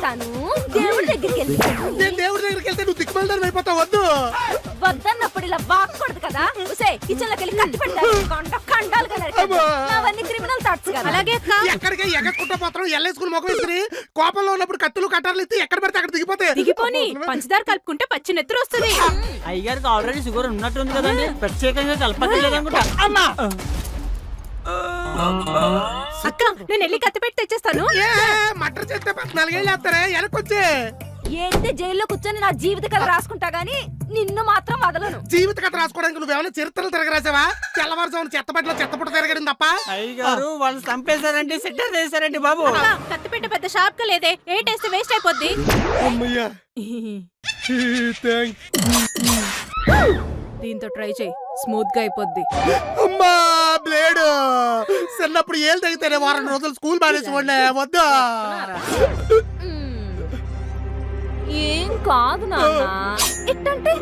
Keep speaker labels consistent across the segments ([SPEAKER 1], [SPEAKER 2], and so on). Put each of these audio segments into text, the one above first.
[SPEAKER 1] వెళ్తాను, దేవుడి దగ్గరికి వెళ్తాను.
[SPEAKER 2] నేను దేవుడి దగ్గరికి వెళ్తే నువ్వు దిక్కుమల్దారం అయిపోతావు. వద్దు
[SPEAKER 1] వద్దన్నప్పుడు ఇలా వాక్కూడదు కదా. కిచెన్ లోకి వెళ్ళి కట్టి పెట్టాలి, కండాలుగా నరికేయాలి. అవన్నీ క్రిమినల్ థాట్స్ కదా. అలాగే
[SPEAKER 2] ఎక్కడికి ఎగట్టుకుంటా పోతాం. ఎల్లేసుకుని మొగ వేసుకుని కోపంలో ఉన్నప్పుడు కత్తులు కట్టాలు ఎత్తి ఎక్కడ పడితే అక్కడ
[SPEAKER 1] దిగిపోని పంచదార కలుపుకుంటే పచ్చి నెత్తురు వస్తుంది.
[SPEAKER 3] అయ్యగారికి ఆల్రెడీ షుగర్ ఉన్నట్టుంది కదండి, ప్రత్యేకంగా కలపట్లేదు అనుకుంటా. అమ్మా
[SPEAKER 1] అక్క, నేను వెళ్ళి కత్తి పెట్టి తెచ్చేస్తాను.
[SPEAKER 2] మటర్ చేస్తే 14 ఏళ్ళు వేస్తారే. వెనకొచ్చే
[SPEAKER 1] ఏంటి జైల్లో కూర్చొని నా జీవిత కథ రాసుకుంటా గానీ నిన్ను మాత్రం వదలను.
[SPEAKER 2] జీవిత కథ రాసుకోవడానికి నువ్వేమైనా చరిత్రలు తిరగరాసావా? తెల్లవారుజామున చెత్తబడిలో చెత్తపుట్ట తిరగడం తప్ప.
[SPEAKER 3] అయ్యగారు వాళ్ళు చంపేశారంటే సెట్టర్ చేశారండి బాబు.
[SPEAKER 1] కత్తి పెట్టే పెద్ద షార్ప్ గా లేదే, ఏ టేస్ట్ వేస్ట్ అయిపోద్ది.
[SPEAKER 2] అమ్మయ్యా
[SPEAKER 1] దీంతో ట్రై చేయి, స్మూత్ గా అయిపోద్ది.
[SPEAKER 2] అమ్మా బ్లేడ్ చిన్నప్పుడు ఏళ్ళు తగ్గితేనే వారం రోజులు స్కూల్ మానేసి ఉండే. వద్దా
[SPEAKER 1] ఏం కాదు నాన్న, ఇట్టంటే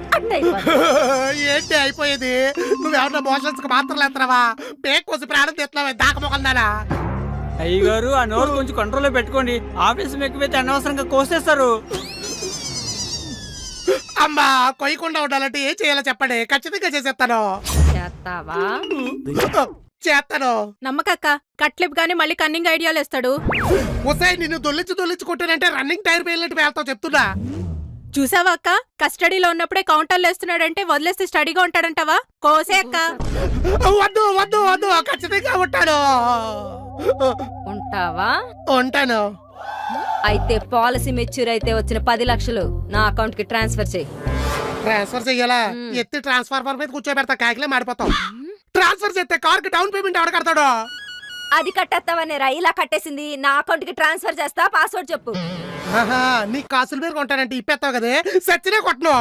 [SPEAKER 2] ఏంటి అయిపోయేది? నువ్వేమన్నా మోషన్స్ కి మాత్రం లేస్తున్నావా? పేక్ కోసి ప్రాణం తెస్తున్నావా? దాక మొక్కలుదానా?
[SPEAKER 3] అయ్యగారు ఆ నోరు కొంచెం కంట్రోల్లో పెట్టుకోండి. ఆఫీస్ ఎక్కువైతే అనవసరంగా కోసేస్తారు.
[SPEAKER 2] అమ్మా కొయ్యకుండా ఉండాలంటే ఏం చేయాలో చెప్పండి, ఖచ్చితంగా చేసేస్తాను.
[SPEAKER 1] చేస్తావా?
[SPEAKER 2] చేస్తాను.
[SPEAKER 1] నమ్మకక్క, కట్లిప్ గానీ మళ్ళీ కన్నింగ్ ఐడియాలు ఇస్తాడు.
[SPEAKER 2] ఒసేయ్ నిన్ను దొల్లించి కొట్టానంటే రన్నింగ్ టైర్ పేలినట్టు వెళ్తావు చెప్తున్నా.
[SPEAKER 1] చూసావా అక్క, కస్టడీలో ఉన్నప్పుడే కౌంటర్లు వేస్తున్నాడంటే వదిలేస్తే స్టడీగా ఉంటాడంటావా? కోసే అక్క.
[SPEAKER 2] వద్దు వద్దు వద్దు, ఖచ్చితంగా ఉంటాను.
[SPEAKER 1] ఉంటావా?
[SPEAKER 2] ఉంటాను.
[SPEAKER 1] అయితే పాలసీ మెచ్యూర్ అయితే వచ్చిన 10 లక్షలు నా అకౌంట్ కి ట్రాన్స్ఫర్ చేయి.
[SPEAKER 2] ట్రాన్స్ఫర్ చెయ్యాలా? ఎత్తి ట్రాన్స్ఫార్మర్ మీద కూర్చోబెడతా, కాకిలే మాడిపోతాం. ట్రాన్స్ఫర్ చేస్తే కార్ కి డౌన్ పేమెంట్ ఎవరు కడతాడు?
[SPEAKER 1] అది కట్టేస్తావనే రా, ఇలా కట్టేసింది. నా అకౌంట్ కి ట్రాన్స్ఫర్ చేస్తా, పాస్వర్డ్ చెప్పు.
[SPEAKER 2] నీ కాసుల మీద కొంటానంటే ఇప్పేస్తావు కదే, సచ్చినే కొట్టను.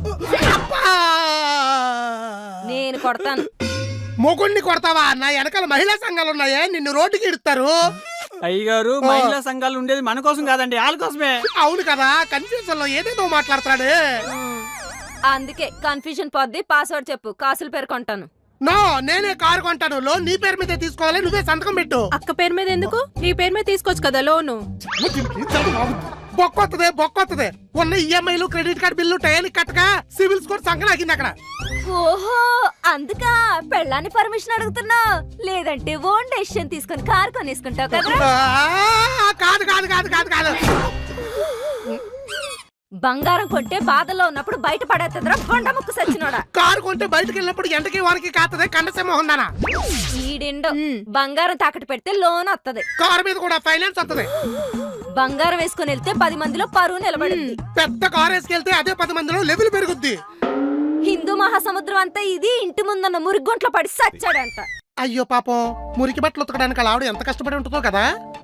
[SPEAKER 1] నేను కొడతాను.
[SPEAKER 2] మొగుణ్ణి కొడతావా? నా వెనకాల మహిళా సంఘాలు ఉన్నాయే, నిన్ను రోడ్డుకి ఇడుతారు.
[SPEAKER 3] అయ్యగారు మహిళా సంఘాలు ఉండేది మన కోసం కాదండి, వాళ్ళ కోసమే.
[SPEAKER 2] అవును కదా, కన్ఫ్యూజన్ లో ఏదేదో మాట్లాడతాడు.
[SPEAKER 1] అందుకే కన్ఫ్యూజన్ పోద్ది, పాస్వర్డ్ చెప్పు, కాసుల పేరు కొంటాను.
[SPEAKER 2] నో, నేనే కారు కొంటాను. లోన్ నీ పేరు మీద తీసుకోవాలి, నువ్వే సంతకం పెట్టు.
[SPEAKER 1] అక్క పేరు మీద ఎందుకు? నీ పేరు మీద తీసుకోవచ్చు కదా లోను.
[SPEAKER 2] బొక్కొత్తదే. ఉన్న ఈఎంఐలు క్రెడిట్ కార్డు బిల్లు టయానికి కట్టక సివిల్ స్కోర్ సంకనాగింది అక్కడ.
[SPEAKER 1] ఓహో, అందుకా పెళ్ళాన్ని పర్మిషన్ అడుగుతున్నా? లేదంటే ఓన్ డెసిషన్ తీసుకొని కారు కొనేసుకుంటావు కదా.
[SPEAKER 2] కాదు కాదు కాదు కాదు కాదు
[SPEAKER 1] బంగారం కొంటే బాధలో ఉన్నప్పుడు బయట పడేస్తుందిరా బొండ ముక్కు సచ్చినోడా.
[SPEAKER 2] కారు కొంటే బయటకు వెళ్ళినప్పుడు ఎంటకి వారికి కాతదే కండసేమో ఉందనా.
[SPEAKER 1] ఈడిండో బంగారం తాకట్టు పెడితే లోన్ వస్తది,
[SPEAKER 2] కారు మీద కూడా ఫైనాన్స్ వస్తది.
[SPEAKER 1] బంగారం వేసుకుని వెళ్తే 10 మందిలో పరువు నిలబడింది.
[SPEAKER 2] పెద్ద కారు వేసుకెళ్తే అదే 10 మందిలో లెవెల్ పెరుగుద్ది.
[SPEAKER 1] హిందూ మహాసముద్రం అంతా ఇది ఇంటి ముందున్న మురిగొంట్లో పడి సచ్చాడంట.
[SPEAKER 2] అయ్యో పాపం, మురికి బట్టలు ఉతకడానికి ఆవిడ ఎంత కష్టపడి ఉంటుందో కదా.